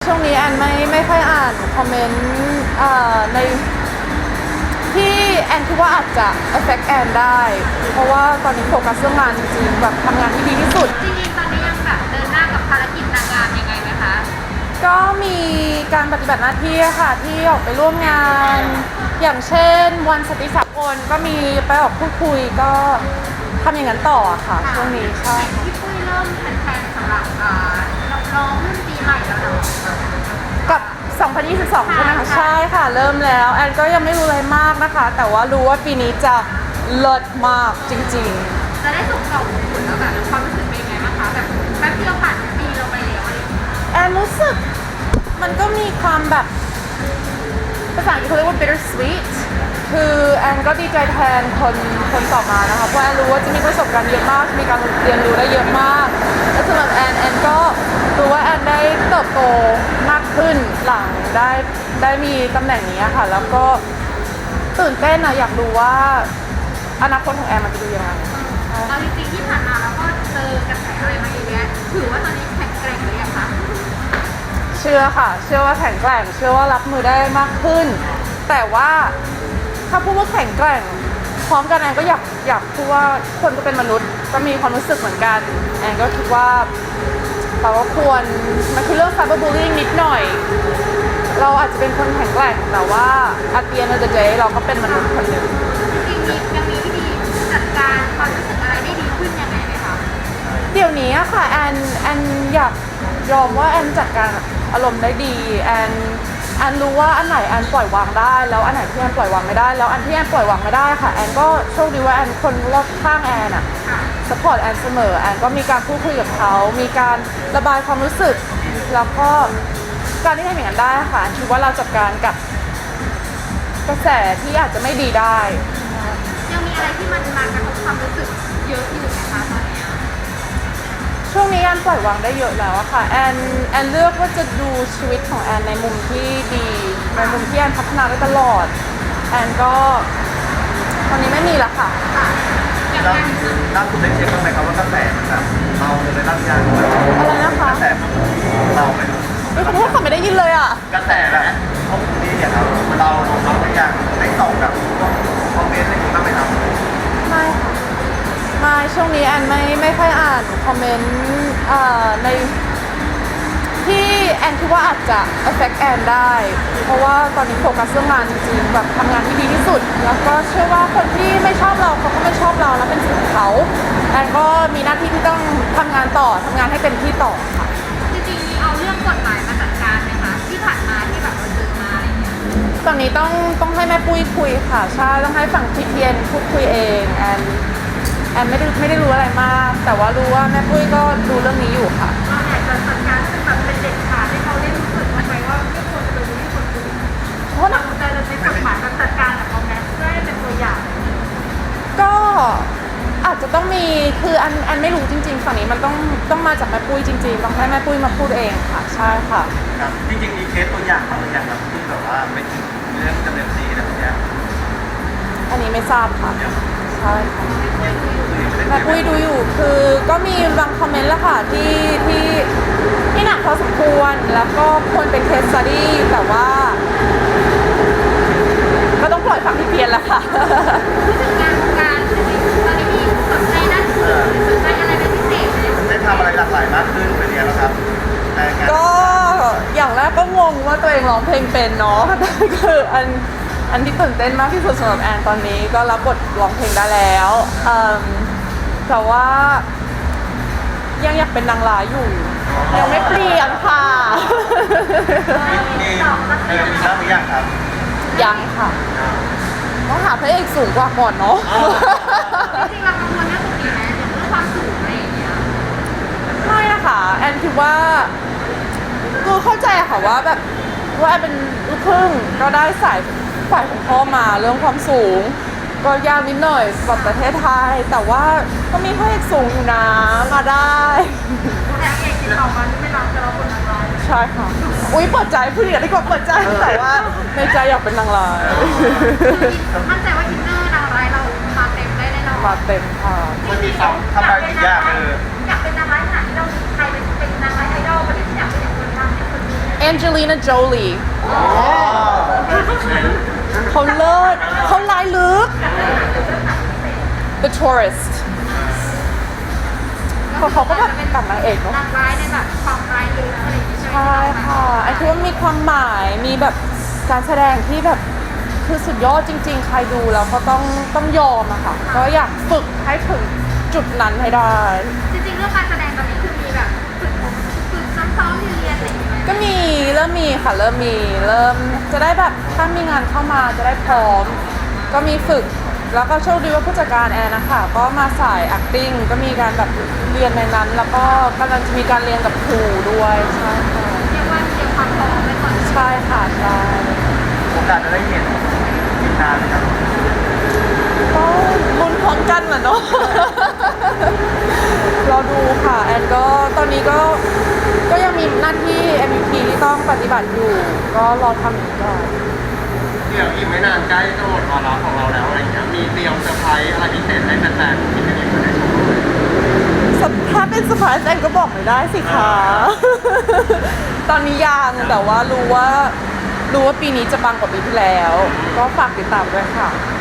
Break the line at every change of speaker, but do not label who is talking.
ช่วงนี้แอนไม่ค่อยอ่านคอมเมนต์ในที่แอนคิดว่าอาจจะ affect แอนได้เพราะว่าตอนนี้โฟกัสเรื่องงานจริงๆแบบทำงานที่ดีที่สุด
จริงๆตอนนี้ยังแบบเดินหน้ากับภารกิจนางงามยังไงไหมคะ
ก็มีการปฏิบัติหน้าที่ค่ะที่ออกไปร่วมงานอย่างเช่นวันสตรีสากลก็มีไปออกพูดคุยก็ทำอย่างนั้นต่อค่ะช่วงนี้ใช่
พี่ปุ้ยเริ่มแผนๆสำหรับร้องรุ่นปีใหม่แล้วเนาะ
กับ 2022 ใช่ไหมคะใช่ค่ะเริ่มแล้วแอนก็ยังไม่รู้อะไรมากนะคะแต่ว่ารู้ว่าปีนี้จะเลิศมากจริงๆ
จะได้ส่งต่อคุณแล้วแบบความรู้สึกเป็นยังไงบ้างคะแบบแป๊บเดียวผ่านปีเราไปแล้วอะไรอย่างเงี้ย
แอนรู้สึกมันก็มีความแบบภาษาอังกฤษเขาเรียกว่า bitter sweet คือแอนก็ดีใจแทนคนต่อมานะคะเพราะแอนรู้ว่าจะมีประสบการณ์เยอะมากมีการเรียนรู้ได้เยอะมากและสำหรับแอนก็รู้ว่าแอนได้เติบโตมากขึ้นหลังได้มีตำแหน่งนี้ค่ะแล้วก็ตื่นเต้นนะอยากรู้ว่าอนาคตของแอนมันจะดูยังไง
เอาจริงๆที่ผ่านมาเราก็เจอกระแสอะไรมาเยอะแยะถือว่าตอนนี้แข็งแกร่งหรือยังคะ
เชื่อค่ะเชื่อว่าแข็งแกร่งเชื่อว่ารับมือได้มากขึ้นแต่ว่าถ้าพูดว่าแข็งแกร่งพร้อมกันแอนก็อยากพูดว่าคนก็เป็นมนุษย์ก็มีความรู้สึกเหมือนกันแอนก็คิดว่าเราก็ควรมันคือเรื่อง cyberbullying นิดหน่อยเราอาจจะเป็นคนแข็งแกร่งแต่ว่า at the end of the day เราก็เป็นมนุษย์คนหนึ่ง
จริงๆยังมีวิธีจัดการความรู้สึกอะไรได้ดีขึ้นยังไงไหมคะ
เดี๋ยวนี้อะค่ะแอนอยากยอมว่าแอนจัดการอารมณ์ได้ดีแอนรู้ว่าอันไหนแอนปล่อยวางได้แล้วอันไหนที่แอนปล่อยวางไม่ได้แล้วอันที่แอนปล่อยวางไม่ได้ค่ะแอนก็โชคดีว่าแอนคนรอบข้างแอนอะสปอร์ตแอนเสมอแอนก็มีการพูดคุยกับเขามีการระบายความรู้สึกแล้วก็การที่ทำอย่างนั้นได้ค่ะแอนคิดว่าเราจัดการกับกระแสที่อาจจะไม่ดีได้
ยังมีอะไรที่มันมากระทบความรู้สึกเยอะอยู่ไหมคะตอนนี้
ช่วงนี้แอนปล่อยวางได้เยอะแล้วอะค่ะแอนเลือกว่าจะดูชีวิตของแอนในมุมที่ดีในมุมที่แอนพัฒนาได้ตลอดแอนก็ตอนนี้ไม่มีละค่ะ
แล้วล่าสุดได้เช็คบ้างไหมครับว่ากระแสมันแบบเราเลยรับยาง
อะไรนะคะ
กระแสเราไหม
ขอโทษค่ะไม่ได้ยินเลยอะ
กระแสแบบพวกนี้เนี่ยครับเราได้ยังได้ตอบกับคอมเมนต์อะไรอย่างนี้บ้างไหมครับ
ไม่ค่ะไม่ช่วงนี้แอนไม่ค่อยอ่านคอมเมนต์ในที่แอนคิดว่าอาจจะ affect แอนได้เพราะว่าตอนนี้โฟกัสเรื่องงานจริงๆแบบทำงานที่ดีที่สุดแล้วก็เชื่อว่าคนที่ไม่ชอบเราเขาก็ไม่ชอบเราแล้วเป็นสิทธิ์ของเขาแอนก็มีหน้าที่ที่ต้องทำงานต่อทำงานให้เต็มที่ต่อค่ะ
จริงๆมีเอาเรื่องกฎหมายมาจัดการไหมคะที่ผ่านมาที่แบบเราเจอมาอะไรอย่างเงี้ย
ตอนนี้ต้องให้แม่ปุ้ยคุยค่ะใช่ต้องให้ฝั่งทีเพียนพูดคุยเองแอนไม่ได้รู้อะไรมากแต่ว่ารู้ว่าแม่ปุ้ยก็ดูเรื่องนี้อยู่ค่ะ
เราอยากจะจัดการแบบเป็นเด็ดขาดให้เขาได้รู้สึกว่าไหมว่าไม่ควรจะดูไม่ควรดูเพราะเราจะใช้กฎหมายมาจัดการกับเขาแม้เพื่อให้เป็นตัวอย่าง
ก็อาจจะต้องมีคืออันไม่รู้จริงๆฝั่งนี้มันต้องมาจากแม่ปุ้ยจริงๆต้องให้แม่ปุ้ยมาพูดเองค่ะใช่ค่ะ
ครับจริงๆมีเคสตัวอย่างบางอย่างแบบที่แบบว่าไม่ถึงเรื่องดำเนินคดีอะไรแบบนี้
อันนี้ไม่ทราบค่ะใช่ค่ะแม่ปุ้ยดูอยู่คือก็มีบางคอมเมนต์แล้วค่ะที่หนักพอสมควรแล้วก็ควรเป็นเคสสตัดดี้แต่ว่าก็ต้องปล่อยฝั่งที่เพียนแล้วค่ะ
การตอนนี้มีสนใจด้านอื่นสนใจอะไรเป็นพิเศษไหม
ได้ทำอะไรหลากหลายมากขึ้นเป็นยังไงครับ
ก็อย่างแรกก็งงว่าตัวเองร้องเพลงเป็นเนาะคืออันที่ตื่นเต้นมากที่สุดสำหรับแอนตอนนี้ก็รับบทร้องเพลงได้แล้วแต่ว่ายังอยากเป็นนางร้ายอยู่ยังไม่เปลี่ยนค่ะ
มีบ้างหรือยังครับ
ยังค่ะต้องหาพระเอกสูงกว่าก่อนเนาะ
จริงๆเรากังวลเรื่องตรงนี้ไหมเรื่องความสูงอะไรอย่างเงี้ย
ไม่นะคะแอนคิดว่าคือเข้าใจค่ะว่าแบบว่าแอนเป็นลูกครึ่งก็ได้ฝ่ายของพ่อมาเรื่องความสูงก็ยากนิดหน่อยสำหรับประเทศไทยแต่ว่าก็มีพระเอกสูงอยู่นะมาได้
แต่เอกที่ออกมาไม่รับจะรับบทนางร้าย
ใช่ค่ะอุ้ยเปิดใจพูดอย่างนี้ก็เปิดใจแต่ว่าในใจอยากเป็นนางร้าย
มั่นใจว่าอินเนอร์นางร้ายเรามาเต็มได้แน่นอน
มาเต็มค่ะ
มันมีทำอะไรถึงยาก
อยากเป็นนางร้ายขนาดที่เราใครเป็นนางร้ายไอดอลประเด็นอยากเป็นคนทำเป็นคนนี้
เอ Angelina Jolie
เป็น
เขาเลิศเขาลายลึก The Tourist เขาก็แบบเป็นนางเอกเนาะ
นางร้ายในแบบความร้ายลึกอะไรอย่างเงี้ยใช่ไหม
ใช่ค่ะไอ้ที่ว่ามีความหมายมีแบบการแสดงที่แบบคือสุดยอดจริงๆ ใครดูแล้วก็ต้องยอมอะค่ะ ก็อยากฝึกให้ถึงจุดนั้นให้ได้
จริงๆเรื่องการแสดงตอนนี้คือมีแบบฝึกซ้อมๆเรียนๆอะไรอย่างเงี้ย
ก็เริ่มมีค่ะเริ่มจะได้แบบถ้ามีงานเข้ามาจะได้พร้อม ก็มีฝึก แล้วก็โชคดีว่าผู้จัดการแอนนะคะก็มาสาย acting ก็มีการแบบเรียนในนั้น แล้วก็กำลังจะมีการเรียนกับครูด้วยใช่ค่ะ
เรียกว่าเตรียมความพร้อมไว้ก่อน
ใช่ค่ะใช่
โอกาสจะได้เห็นอีกนานไหมครับ
ก็ลุ้นพร้อมกันน่ะเนาะ รอดูค่ะแอนก็ตอนนี้ก็ยังมีหน้าที่ MVP ที่ต้องปฏิบัติอยู่ ก็รอทำอยู่ก่อน
เดี๋ยวอีกไม่นานใกล้จะหมดวาระของเราแล้วอะไรอย่างเงี้ยมีเตรียมเซอร์ไพรส์อะไรพิเศษให้แฟนๆที่ไม่ได้อยู่ในชมรมเลย
ถ้าเป็นเซอร์ไพรส์แอนก็บอกไม่ได้สิคะ ตอนนี้ยังแต่ว่ารู้ว่าปีนี้จะปังกว่าปีที่แล้ว ก็ฝากติดตามด้วยค่ะ